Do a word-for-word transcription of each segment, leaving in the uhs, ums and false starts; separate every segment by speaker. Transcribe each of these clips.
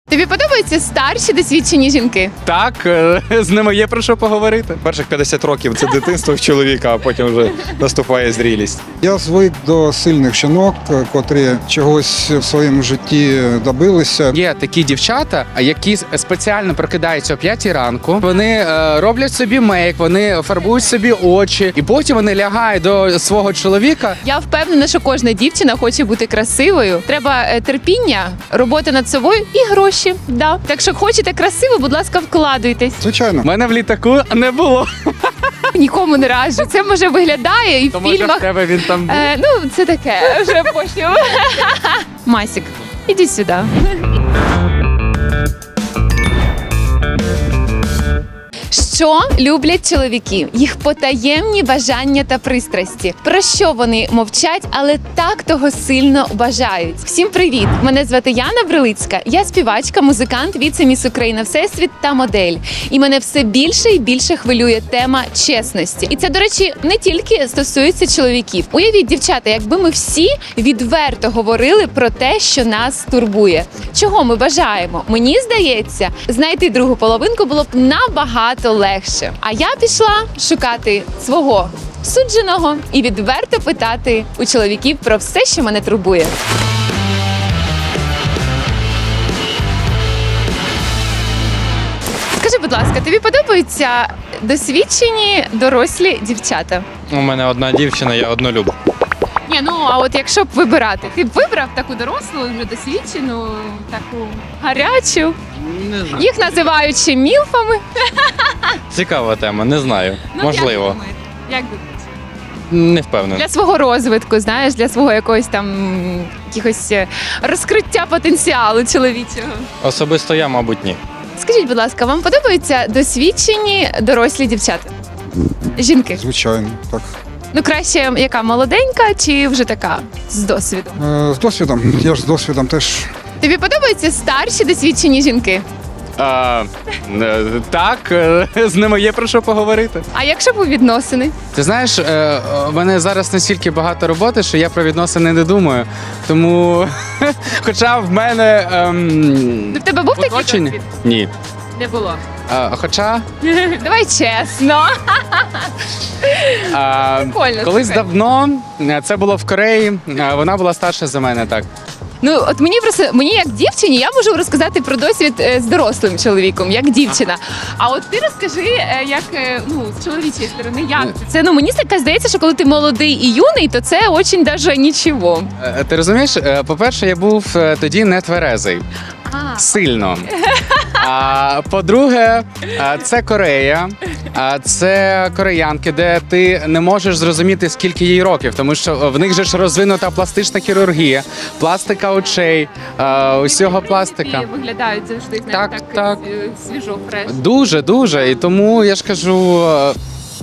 Speaker 1: Тобі подобаються старші досвідчені жінки?
Speaker 2: Так, е, з ними є про що поговорити.
Speaker 3: Перших п'ятдесят років це дитинство в чоловіка, а потім вже наступає зрілість.
Speaker 4: Я звик до сильних жінок, котрі чогось в своєму житті добилися.
Speaker 2: Є такі дівчата, які спеціально прокидаються о п'ятій ранку. Вони е, роблять собі мейк, вони фарбують собі очі, і потім вони лягають до свого чоловіка.
Speaker 1: Я впевнена, що кожна дівчина хоче бути красивою. Треба е, терпіння, робота над собою і гроші. Да. Так що хочете красиво, будь ласка, вкладуйтесь.
Speaker 4: Звичайно.
Speaker 2: У мене в літаку не було.
Speaker 1: Нікому не раджу. Це може виглядає і в
Speaker 2: То може в
Speaker 1: фільмах.
Speaker 2: тебе він там був?
Speaker 1: Е, ну, це таке, вже потім. Масік, іди сюди. Що люблять чоловіки? Їх потаємні бажання та пристрасті. Про що вони мовчать, але так того сильно бажають. Всім привіт! Мене звати Яна Брилицька. Я співачка, музикант, віце-міс Україна Всесвіт та модель. І мене все більше і більше хвилює тема чесності. І це, до речі, не тільки стосується чоловіків. Уявіть, дівчата, якби ми всі відверто говорили про те, що нас турбує. Чого ми бажаємо? Мені здається, знайти другу половинку було б набагато легше. А я пішла шукати свого судженого і відверто питати у чоловіків про все, що мене турбує. Скажи, будь ласка, тобі подобаються досвідчені дорослі дівчата?
Speaker 3: У мене одна дівчина, я однолюб.
Speaker 1: Ні, ну а от якщо б вибирати, ти б вибрав таку дорослу, вже досвідчену, таку гарячу.
Speaker 3: Не знаю.
Speaker 1: Їх називають ще мілфами.
Speaker 3: Цікава тема, не знаю.
Speaker 1: Ну,
Speaker 3: Можливо.
Speaker 1: Як думаєте? Як думаєте?
Speaker 3: Не впевнений.
Speaker 1: Для свого розвитку, знаєш, для свого якогось там якихось е, розкриття потенціалу чоловічого.
Speaker 3: Особисто я, мабуть, ні.
Speaker 1: Скажіть, будь ласка, вам подобаються досвідчені дорослі дівчата? Жінки?
Speaker 4: Звичайно, так.
Speaker 1: Ну краще яка молоденька чи вже така з досвідом?
Speaker 4: Е, З досвідом. Я ж з досвідом теж.
Speaker 1: Тобі подобаються старші досвідчені жінки?
Speaker 2: А, е, так, е, з ними є про що поговорити.
Speaker 1: А якщо б у відносини?
Speaker 2: Ти знаєш, е, в мене зараз настільки багато роботи, що я про відносини не думаю. Тому, хоча в мене ем,
Speaker 1: В тебе був такий
Speaker 2: оточення-
Speaker 1: досвід?
Speaker 2: Ні.
Speaker 1: Не було.
Speaker 2: Е, хоча
Speaker 1: Давай чесно.
Speaker 2: е,
Speaker 1: Прикольно,
Speaker 2: колись
Speaker 1: слухай.
Speaker 2: давно е, це було в Кореї. е, Вона була старша за мене, так.
Speaker 1: Ну от мені просто мені як дівчині, я можу розказати про досвід е, з дорослим чоловіком, як дівчина. А от ти розкажи, е, як е, ну з чоловічої сторони, як це? Це ну мені так здається, що коли ти молодий і юний, то це очень даже нічого.
Speaker 2: Е, Ти розумієш, е, по-перше, я був е, тоді не тверезий.
Speaker 1: А,
Speaker 2: Сильно. А по-друге, а, це Корея, а це кореянки, де ти не можеш зрозуміти, скільки їй років, тому що в них же ж розвинута пластична хірургія, пластика очей, а, усього пластика.
Speaker 1: І виглядають завжди знаєш,
Speaker 2: Так,
Speaker 1: так,
Speaker 2: так.
Speaker 1: е, свіжо, фреш.
Speaker 2: Дуже, дуже. І тому я ж кажу, е,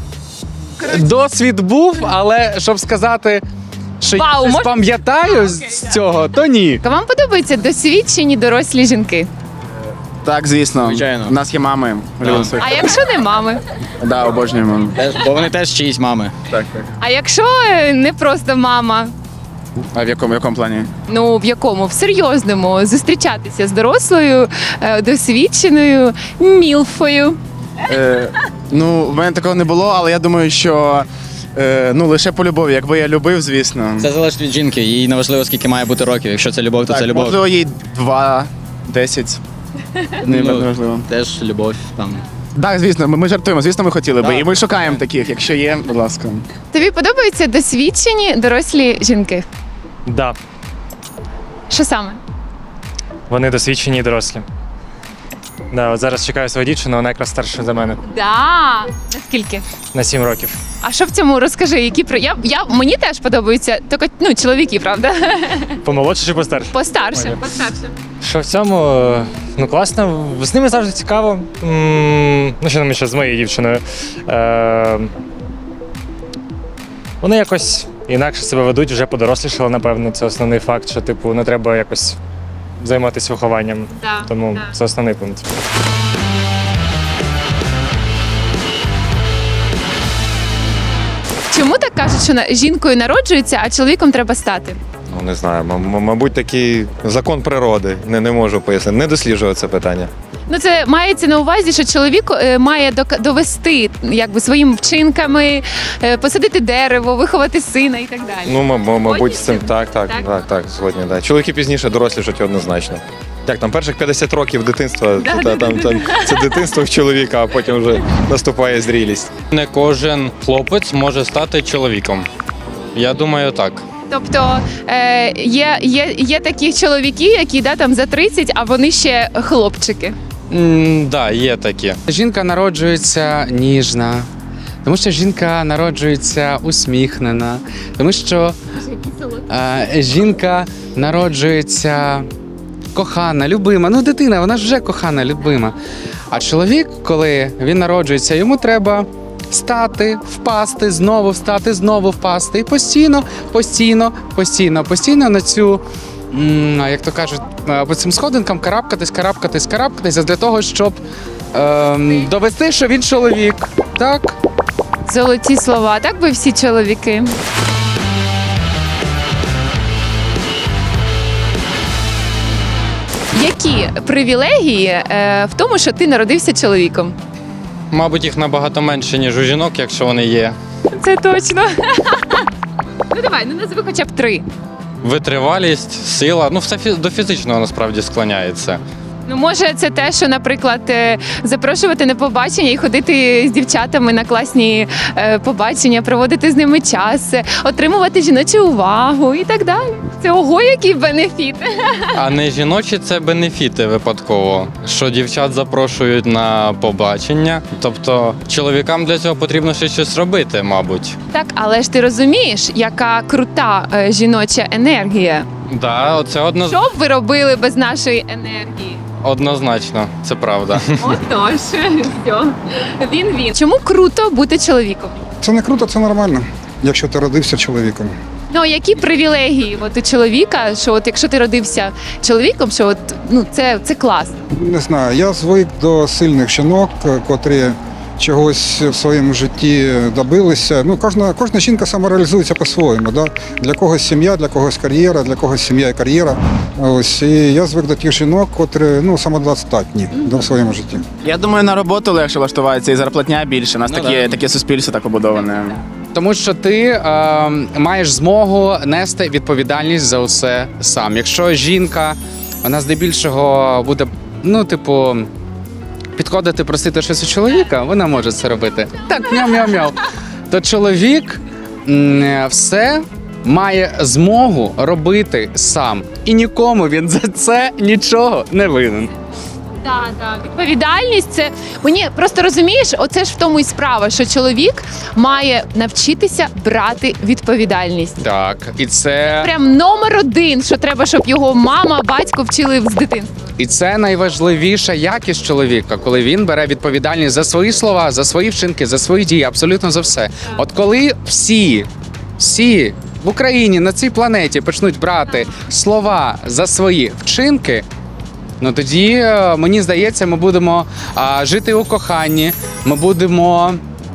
Speaker 2: досвід був, але щоб сказати, що
Speaker 1: Вау,
Speaker 2: я щось
Speaker 1: мож-
Speaker 2: пам'ятаю
Speaker 1: А,
Speaker 2: з
Speaker 1: окей,
Speaker 2: цього, то ні.
Speaker 1: Вам подобаються досвідчені дорослі жінки?
Speaker 5: Так, звісно.
Speaker 6: Звичайно.
Speaker 5: У нас є мами. Любимо своїх.
Speaker 1: А якщо не мами?
Speaker 5: Да, обожнюємо.
Speaker 6: Теж, бо вони теж чиїсь мами.
Speaker 5: Так, так.
Speaker 1: А якщо е, не просто мама?
Speaker 5: А в якому, в якому плані?
Speaker 1: Ну в якому? В серйозному зустрічатися з дорослою, е, досвідченою мілфою.
Speaker 5: Е, ну, в мене такого не було, але я думаю, що е, ну, лише по любові. Якби я любив, звісно.
Speaker 6: Це залежить від жінки, їй не важливо, скільки має бути років. Якщо це любов, то
Speaker 5: так,
Speaker 6: це любов.
Speaker 5: можливо, їй два, десять. Не
Speaker 6: Ну,
Speaker 5: важливо.
Speaker 6: Теж любов там.
Speaker 5: Так, звісно, ми, ми жартуємо, звісно, ми хотіли би.
Speaker 6: Так.
Speaker 5: І ми шукаємо таких, якщо є, будь ласка.
Speaker 1: Тобі подобаються досвідчені дорослі жінки?
Speaker 7: Да,
Speaker 1: Що саме?
Speaker 7: вони досвідчені і дорослі. Да, от зараз чекаю свою дівчину, вона якраз старша за мене
Speaker 1: Да. Наскільки?
Speaker 7: на сім років.
Speaker 1: А що в цьому розкажи? Які про я, я мені теж подобаються, тільки ну чоловіки, правда?
Speaker 7: Помолодше чи постарше?
Speaker 1: Постарше.
Speaker 7: Ой,
Speaker 1: Постарше.
Speaker 7: Що в цьому? Ну класно, з ними завжди цікаво. М, Ну, що нам ще з моєю дівчиною. Е, Вони якось інакше себе ведуть, вже подорослішали, напевно. Це основний факт, що типу не треба якось займатися вихованням.
Speaker 1: Да,
Speaker 7: Тому
Speaker 1: да.
Speaker 7: це основний пункт.
Speaker 1: Чому так кажуть, що на- жінкою народжується, а чоловіком треба стати?
Speaker 3: Ну, не знаю, м- м- мабуть, такий закон природи. Не, не можу пояснити. Не досліджував це питання.
Speaker 1: Ну, це мається на увазі, що чоловік е, має док- довести якби своїми вчинками, е, посадити дерево, виховати сина і так далі.
Speaker 3: Ну, м- м- мабуть, з цим
Speaker 1: Згодні?
Speaker 3: так, так,
Speaker 1: Так?
Speaker 3: так, так, згодні. Да. Чоловіки пізніше дорослішать однозначно. Як там, перших п'ятдесят років дитинства,
Speaker 1: Да,
Speaker 3: та-
Speaker 1: да,
Speaker 3: там,
Speaker 1: да,
Speaker 3: там, це дитинство в чоловіка, а потім вже наступає зрілість.
Speaker 8: Не кожен хлопець може стати чоловіком. Я думаю, так.
Speaker 1: Тобто е, є, є, є такі чоловіки, які да, там за тридцять, а вони ще хлопчики.
Speaker 8: М, да, є такі.
Speaker 2: Жінка народжується ніжна, тому що жінка народжується усміхнена, тому що е, жінка народжується кохана, любима. Ну, дитина, вона ж вже кохана, любима. А чоловік, коли він народжується, йому треба стати, впасти, знову встати, знову впасти. І постійно, постійно, постійно, постійно на цю, м, як то кажуть, е, по цим сходинкам карабкатись, карабкатись, карабкатись для того, щоб ем, довести, що він чоловік. Так?
Speaker 1: Золоті слова, так би всі чоловіки. Які привілегії е, в тому, що ти народився чоловіком?
Speaker 8: Мабуть, їх набагато менше, ніж у жінок, якщо вони є.
Speaker 1: Це точно. Ну давай, ну назви хоча б три.
Speaker 8: Витривалість, сила, ну все фі- до фізичного насправді склоняється.
Speaker 1: Ну, може, це те, що, наприклад, е, запрошувати на побачення і ходити з дівчатами на класні е, побачення, проводити з ними час, е, отримувати жіночу увагу і так далі. Це ого, який бенефіт.
Speaker 8: А не жіночі це бенефіти випадково, що дівчат запрошують на побачення. Тобто чоловікам для цього потрібно ще щось робити, мабуть.
Speaker 1: Так, але ж ти розумієш, яка крута е, жіноча енергія.
Speaker 8: Да, оце одно...
Speaker 1: Що б ви робили без нашої енергії?
Speaker 8: однозначно, це правда.
Speaker 1: Отож, все. Він він. Чому круто бути чоловіком?
Speaker 4: Це не круто, це нормально, якщо ти родився чоловіком.
Speaker 1: Ну, які привілегії от у чоловіка, що от якщо ти родився чоловіком, що от ну це, це класно.
Speaker 4: Не знаю, я звик до сильних жінок, котрі чогось в своєму житті добилися. Ну, кожна, кожна жінка самореалізується по-своєму. Да? Для когось сім'я, для когось кар'єра, для когось сім'я і кар'єра. Ось, і я звик до тих жінок, котрі ну, самодостатні в своєму житті.
Speaker 9: Я думаю, на роботу легше влаштуватися і зарплатня більше. У нас
Speaker 6: Ну,
Speaker 9: таке,
Speaker 6: да.
Speaker 9: таке суспільство так побудоване.
Speaker 2: Тому що ти е, маєш змогу нести відповідальність за усе сам. Якщо жінка, вона здебільшого буде, ну, типу, підходити, просити щось у чоловіка, вона може це робити. Так, мяу-мяу-мяу. То чоловік м, все має змогу робити сам. І нікому він за це нічого не винен.
Speaker 1: Так, так. Відповідальність це мені просто розумієш, оце ж в тому і справа, що чоловік має навчитися брати відповідальність.
Speaker 2: Так, і це,
Speaker 1: Прям номер один, що треба, щоб його мама, батько вчили з дитинства.
Speaker 2: і це найважливіша якість чоловіка, коли він бере відповідальність за свої слова, за свої вчинки, за свої дії, абсолютно за все. От коли всі, всі в Україні на цій планеті почнуть брати слова за свої вчинки. Ну тоді, е, мені здається, ми будемо а, жити у коханні, ми будемо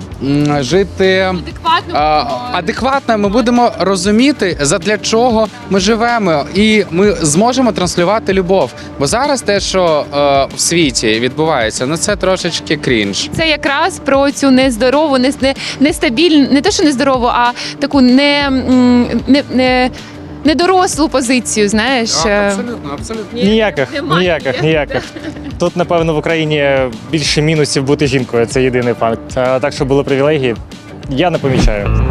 Speaker 2: м, жити
Speaker 1: Адекватно.
Speaker 2: а, адекватно, ми будемо розуміти, задля чого ми живемо, і ми зможемо транслювати любов. Бо зараз те, що е, в світі відбувається, ну це трошечки крінж.
Speaker 1: Це якраз про цю нездорову, не, не, нестабільну, не те, що нездорову, а таку не, м, не, не, недорослу позицію, знаєш.
Speaker 2: Абсолютно, абсолютно.
Speaker 7: Ніяких,
Speaker 1: Немає.
Speaker 7: ніяких, ніяких. Тут, напевно, в Україні більше мінусів бути жінкою. Це єдиний факт. А так, що були привілегії, я не помічаю.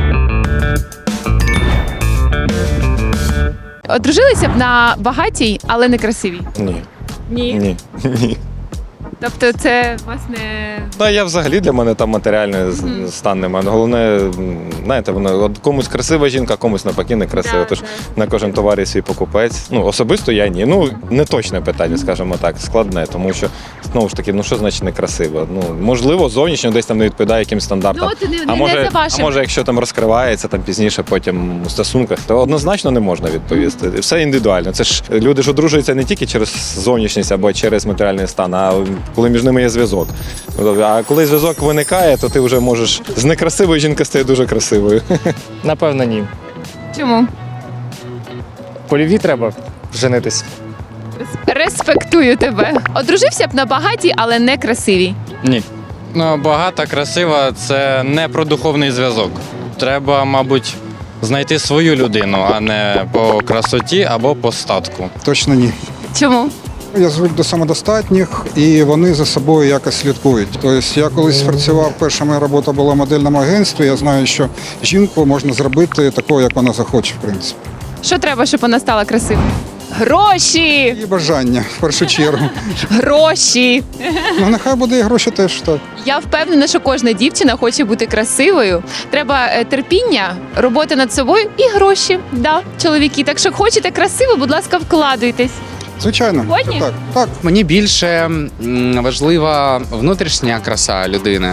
Speaker 1: Одружилися б на багатій, але не красивій.
Speaker 3: Ні.
Speaker 1: Ні.
Speaker 3: Ні. Ні.
Speaker 1: Тобто це власне.
Speaker 3: Та я взагалі для мене там матеріальний з-
Speaker 1: Мгм.
Speaker 3: стан немає. Головне, м, знаєте, воно от комусь красива жінка, комусь навпаки не красива.
Speaker 1: Да,
Speaker 3: Тож
Speaker 1: да.
Speaker 3: на кожен товар є свій покупець. Ну, особисто я ні. Ну, не точне питання, скажімо так, складне, тому що знову ж таки, ну що значить некрасиво? Ну, можливо, зовнішньо десь там не відповідає якимсь стандартам.
Speaker 1: Ну, от не,
Speaker 3: А
Speaker 1: не,
Speaker 3: може,
Speaker 1: не за
Speaker 3: а
Speaker 1: вашим.
Speaker 3: може, якщо там розкривається там пізніше, потім у стосунках, то однозначно не можна відповісти. Все індивідуально. Це ж люди ж одружуються не тільки через зовнішність або через матеріальний стан, а коли між ними є зв'язок. А коли зв'язок виникає, то ти вже можеш з некрасивої жінки стає дуже красивою.
Speaker 7: Напевно, ні.
Speaker 1: Чому?
Speaker 7: польові треба женитись.
Speaker 1: Респектую тебе. Одружився б на багатій, але не красивій.
Speaker 8: Ні. Ну, багата, красива це не про духовний зв'язок. Треба, мабуть, знайти свою людину, а не по красоті або по статку.
Speaker 4: Точно ні.
Speaker 1: Чому?
Speaker 4: Я звик до самодостатніх, і вони за собою якось слідкують. Тобто я колись працював, перша моя робота була в модельному агентстві. Я знаю, що жінку можна зробити такою, як вона захоче, в принципі.
Speaker 1: Що треба, щоб вона стала красивою? Гроші!
Speaker 4: І бажання, в першу чергу.
Speaker 1: Гроші!
Speaker 4: Ну, нехай буде і гроші теж так.
Speaker 1: Я впевнена, що кожна дівчина хоче бути красивою. Треба е, терпіння, робота над собою і гроші. Да, чоловіки. Так що хочете красиво, будь ласка, вкладуйтесь.
Speaker 4: Звичайно.
Speaker 1: Згодні?
Speaker 4: Так, так.
Speaker 2: Мені більше м, важлива внутрішня краса людини.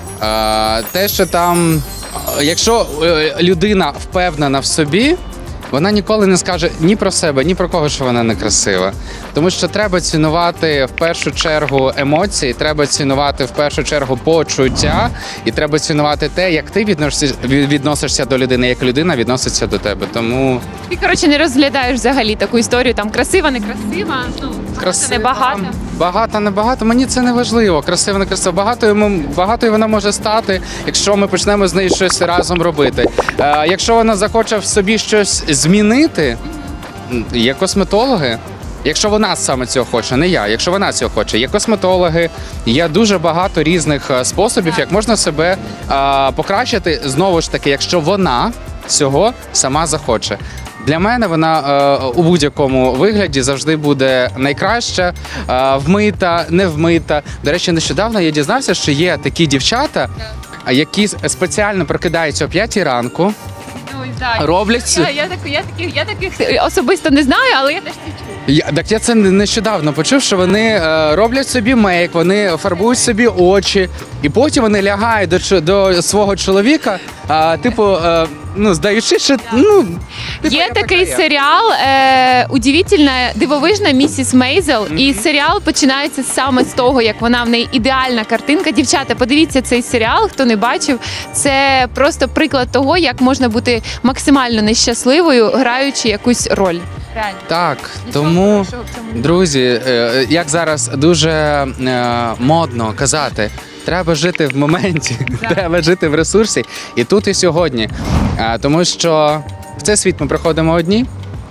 Speaker 2: Е, Те, що там, е, якщо е, людина впевнена в собі, вона ніколи не скаже ні про себе, ні про кого, що вона не красива. Тому що треба цінувати в першу чергу емоції, треба цінувати в першу чергу почуття, і треба цінувати те, як ти відносишся, відносишся до людини, як людина відноситься до тебе. Тому
Speaker 1: Ти, коротше, не розглядаєш взагалі таку історію, там красива, не красива, ну,
Speaker 2: красива,
Speaker 1: не багато.
Speaker 2: Багато, не багато. Мені це не важливо. Красиво, не красиво. Багатою, м- багатою вона може стати, якщо ми почнемо з нею щось разом робити. Е, якщо вона захоче в собі щось змінити, м, є косметологи. Якщо вона саме цього хоче, не я. Якщо вона цього хоче, є косметологи, є дуже багато різних е, способів, як можна себе е, покращити. Знову ж таки, якщо вона цього сама захоче. Для мене вона е, у будь-якому вигляді завжди буде найкраща, е, вмита, не вмита. До речі, нещодавно я дізнався, що є такі дівчата, а, які спеціально прокидаються о п'ятій ранку,
Speaker 1: Ой, да.
Speaker 2: роблять ці-
Speaker 1: Я, я, так, я, таких, я таких особисто не знаю, але я теж це чую.
Speaker 2: Я, так я це нещодавно почув, що вони е, роблять собі мейк, вони фарбують собі очі, і потім вони лягають до, чо- до свого чоловіка, а, типу, е, ну, здаючи, що ну, типу,
Speaker 1: Є
Speaker 2: я
Speaker 1: такий
Speaker 2: така є.
Speaker 1: серіал е, Удивительна, дивовижна місіс Мейзел. І серіал починається саме з того, як вона в неї ідеальна картинка. Дівчата, подивіться цей серіал, хто не бачив. Це просто приклад того, як можна бути максимально нещасливою, граючи якусь роль. Реально.
Speaker 2: Так,
Speaker 1: Нічого
Speaker 2: тому,
Speaker 1: хорошого в цьому немає.
Speaker 2: друзі, е, як зараз дуже е, модно казати, треба жити в моменті, треба жити в ресурсі і тут, і сьогодні. Е, Тому що в цей світ ми приходимо одні,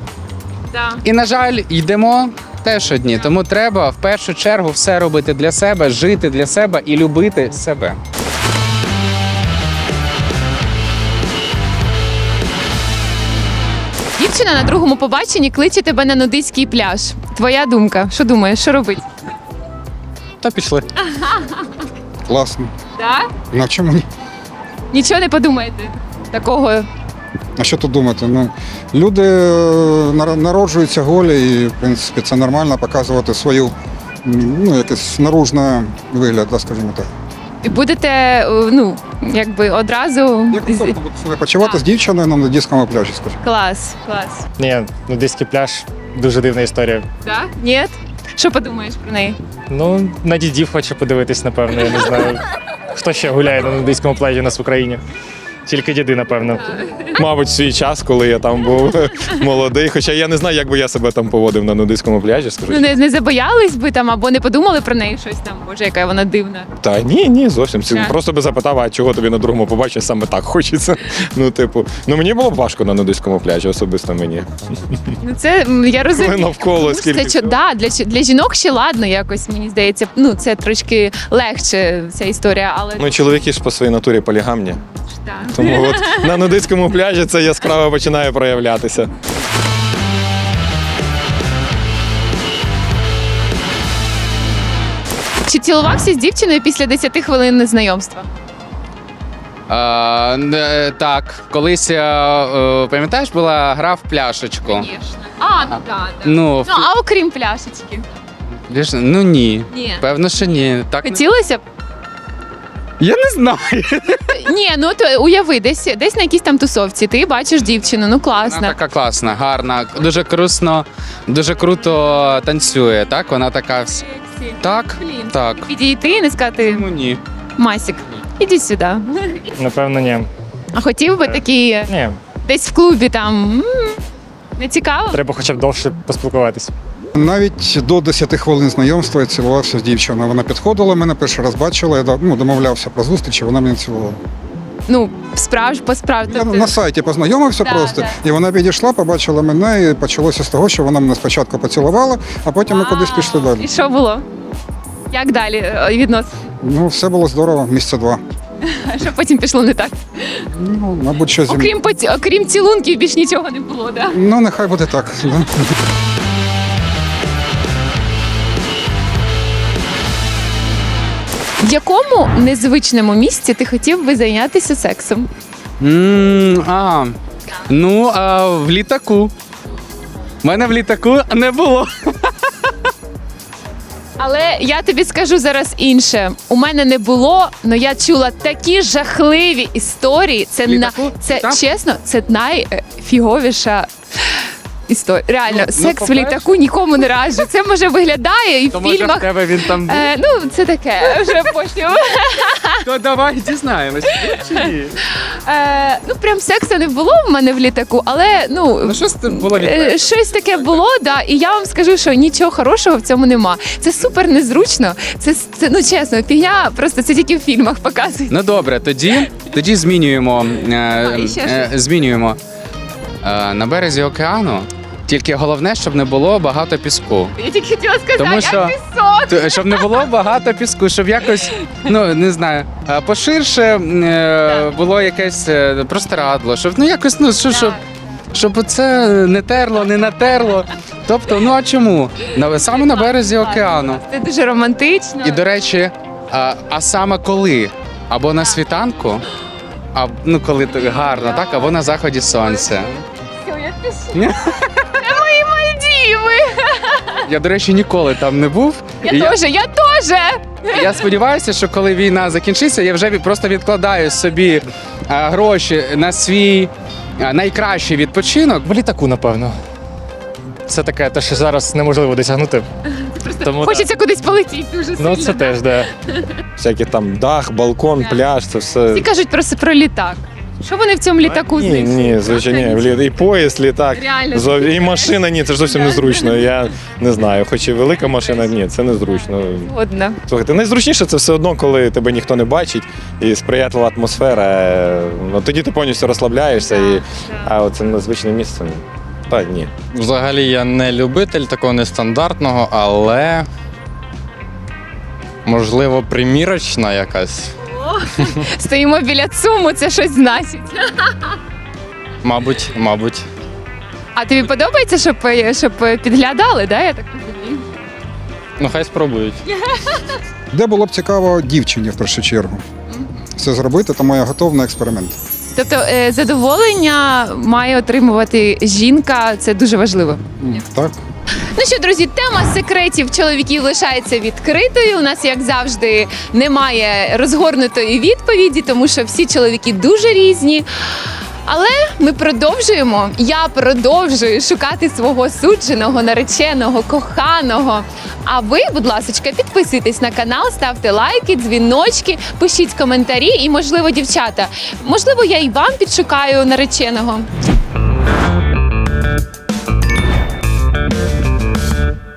Speaker 1: Да.
Speaker 2: і, на жаль, йдемо теж одні. Тому треба в першу чергу все робити для себе, жити для себе і любити себе.
Speaker 1: Дівчина на другому побаченні кличе тебе на нудистський пляж. Твоя думка, що думаєш, що робити?
Speaker 8: Та пішли.
Speaker 4: Класно.
Speaker 1: Так?
Speaker 4: Ну, а чому ні?
Speaker 1: Нічого не подумаєте такого.
Speaker 4: А що тут думати? Ну, люди е, нар- народжуються голі, і, в принципі, це нормально показувати свою, м, ну, якийсь наружний вигляд, да, скажімо так.
Speaker 1: І будете, е, ну, якби одразу.
Speaker 4: Як комфортно буде себе почувати з дівчиною на нудистському пляжі, скажімо.
Speaker 1: Клас, клас.
Speaker 7: Ні, нудистський пляж дуже дивна історія.
Speaker 1: Так? Ні? Що подумаєш про неї?
Speaker 7: Ну, на дідів хоче подивитись, напевно, я не знаю. Хто ще гуляє на нудистському пляжі у нас в Україні? Тільки діди, напевно.
Speaker 3: Мабуть, в свій час, коли я там був молодий. Хоча я не знаю, як би я себе там поводив на нудистському пляжі, скажу.
Speaker 1: Ну, не, не забоялись би там або не подумали про неї щось там, боже, яка вона дивна.
Speaker 3: Та ні, ні, зовсім. Це
Speaker 1: Так.
Speaker 3: Просто би запитав, а чого тобі на другому побаченні саме так хочеться. Ну, типу, ну мені було б важко на нудистському пляжі, особисто мені.
Speaker 1: Ну це м, я розумію.
Speaker 3: Коли навколо
Speaker 1: Ну,
Speaker 3: скільки
Speaker 1: це, що,
Speaker 3: всього.
Speaker 1: да, для, ч- для жінок ще ладно, якось мені здається. Ну, це трошки легше ця історія, але
Speaker 3: Ну, чоловіки ж по своїй натурі полігамні.
Speaker 1: так.
Speaker 3: Тому от на нудистському пляжі це яскраво починає проявлятися.
Speaker 1: Чи цілувався з дівчиною після десяти хвилин знайомства?
Speaker 2: Е, не- так, колись, е, е, пам'ятаєш, була гра в пляшечку.
Speaker 1: А, ну так.
Speaker 2: Ну, в
Speaker 1: Ну, а окрім пляшечки?
Speaker 2: пляш- ну ні.
Speaker 1: Ні.
Speaker 2: Певно, що ні. Так, не-
Speaker 1: Хотілося б?
Speaker 2: Я не знаю.
Speaker 1: Ні, ну то уяви, десь, десь на якійсь там тусовці, ти бачиш дівчину, ну
Speaker 2: Вона
Speaker 1: класно.
Speaker 2: така класна, гарна, дуже крусно, дуже круто танцює, так? Вона така. вс- Так,
Speaker 1: Блін.
Speaker 2: так.
Speaker 1: Підійти і не сказати
Speaker 2: Ну ні.
Speaker 1: Масік, іди сюди.
Speaker 7: Напевно, ні.
Speaker 1: А хотів би такий
Speaker 7: Ні.
Speaker 1: десь в клубі там. м, Не цікаво?
Speaker 7: Треба хоча б довше поспілкуватись.
Speaker 4: Навіть до десяти хвилин знайомства я цілувався з дівчиною. Вона підходила, мене перший раз бачила, я да- ну, домовлявся про зустріч, і вона мене цілувала.
Speaker 1: Ну, справж, по справді.
Speaker 4: Я на сайті познайомився
Speaker 1: Да,
Speaker 4: просто,
Speaker 1: да.
Speaker 4: і вона підійшла, побачила мене, і почалося з того, що вона мене спочатку поцілувала, а потім ми кудись пішли далі.
Speaker 1: І що було? Як далі е, відносини?
Speaker 4: Ну, все було здорово, місяця два.
Speaker 1: Що потім пішло не так?
Speaker 4: Ну, мабуть, що зі мною.
Speaker 1: Окрім, поці... Окрім цілунків, більш нічого не було, да?
Speaker 4: Ну, нехай буде так. Да.
Speaker 1: В якому незвичному місці ти хотів би зайнятися сексом?
Speaker 2: М, а, ну, а, в літаку. У мене в літаку не було.
Speaker 1: Але я тобі скажу зараз інше. У мене не було, але я чула такі жахливі історії. Це на
Speaker 2: Літаку?
Speaker 1: це
Speaker 2: Так?
Speaker 1: чесно, це найфіговіша історія. Реально,
Speaker 2: Ну, ну,
Speaker 1: секс в
Speaker 2: по-перше-
Speaker 1: літаку нікому не раджу. Це може виглядає і в
Speaker 2: То може в
Speaker 1: фільмах.
Speaker 2: тебе він там був?
Speaker 1: Е, ну, це таке, вже потім.
Speaker 2: То давай дізнаємось. Чи ні?
Speaker 1: Е, ну, прям сексу не було в мене в літаку, але ну.
Speaker 2: Ну, щось тут було від
Speaker 1: Е, Щось таке було, да, і я вам скажу, що нічого хорошого в цьому нема. Це супер незручно. Це, це ну чесно, фігня, просто це тільки в фільмах показують.
Speaker 2: Ну добре, тоді, тоді змінюємо. Е,
Speaker 1: і ще
Speaker 2: е, змінюємо. Е, на березі океану. Тільки головне, щоб не було багато піску.
Speaker 1: Я тільки хотіла сказати,
Speaker 2: Тому
Speaker 1: а
Speaker 2: що-
Speaker 1: пісок.
Speaker 2: Т- Щоб не було багато піску, щоб якось, ну не знаю, е, поширше е, було якесь е, простирадло, щоб ну якось, ну що, щоб, щоб це не терло, не натерло. Тобто, ну а чому? На, саме на березі океану.
Speaker 1: Це дуже романтично.
Speaker 2: І до речі, а, а саме коли? Або на світанку, а, ну коли так гарно, так, або на заході сонця.
Speaker 1: Все, я пишу. Це мої Мальдіви.
Speaker 2: Я, до речі, ніколи там не був.
Speaker 1: Я
Speaker 2: І
Speaker 1: теж, я теж.
Speaker 2: Я сподіваюся, що коли війна закінчиться, я вже від- просто відкладаю собі а, гроші на свій а, найкращий відпочинок.
Speaker 7: В літаку, напевно. Це таке, те, що зараз неможливо досягнути. Тому
Speaker 1: Хочеться кудись полетіти дуже сильно.
Speaker 7: ну це теж, да.
Speaker 3: Всякі там дах, балкон, пляж, це все.
Speaker 1: Всі кажуть просто про літак. Що вони в цьому літаку
Speaker 3: Ні,
Speaker 1: знайшли?
Speaker 3: ні, звичайно, ні. В лі- і поїзд, літак,
Speaker 1: Реально.
Speaker 3: зов- і машина, ні, це ж зовсім незручно. Я не знаю, хоч і велика машина, ні, це незручно.
Speaker 1: Одна.
Speaker 3: Слухайте, найзручніше це все одно, коли тебе ніхто не бачить і сприятлива атмосфера. е, Ну, тоді ти повністю розслабляєшся, і, а оце незвичне місце. ну, Та ні.
Speaker 8: Взагалі я не любитель такого нестандартного, але можливо примірочна якась.
Speaker 1: Стоїмо біля ЦУМу, це щось значить.
Speaker 8: Мабуть, мабуть.
Speaker 1: А тобі подобається, щоб, щоб підглядали, да, я так розумію?
Speaker 8: Ну хай спробують.
Speaker 4: Де було б цікаво дівчині в першу чергу це зробити, тому я готовий на експеримент.
Speaker 1: Тобто е, задоволення має отримувати жінка, це дуже важливо.
Speaker 4: М, Так.
Speaker 1: Ну що, друзі, тема секретів чоловіків лишається відкритою. У нас, як завжди, немає розгорнутої відповіді, тому що всі чоловіки дуже різні. Але ми продовжуємо. Я продовжую шукати свого судженого, нареченого, коханого. А ви, будь ласка, підписуйтесь на канал, ставте лайки, дзвіночки, пишіть коментарі і, можливо, дівчата, можливо, я і вам підшукаю нареченого.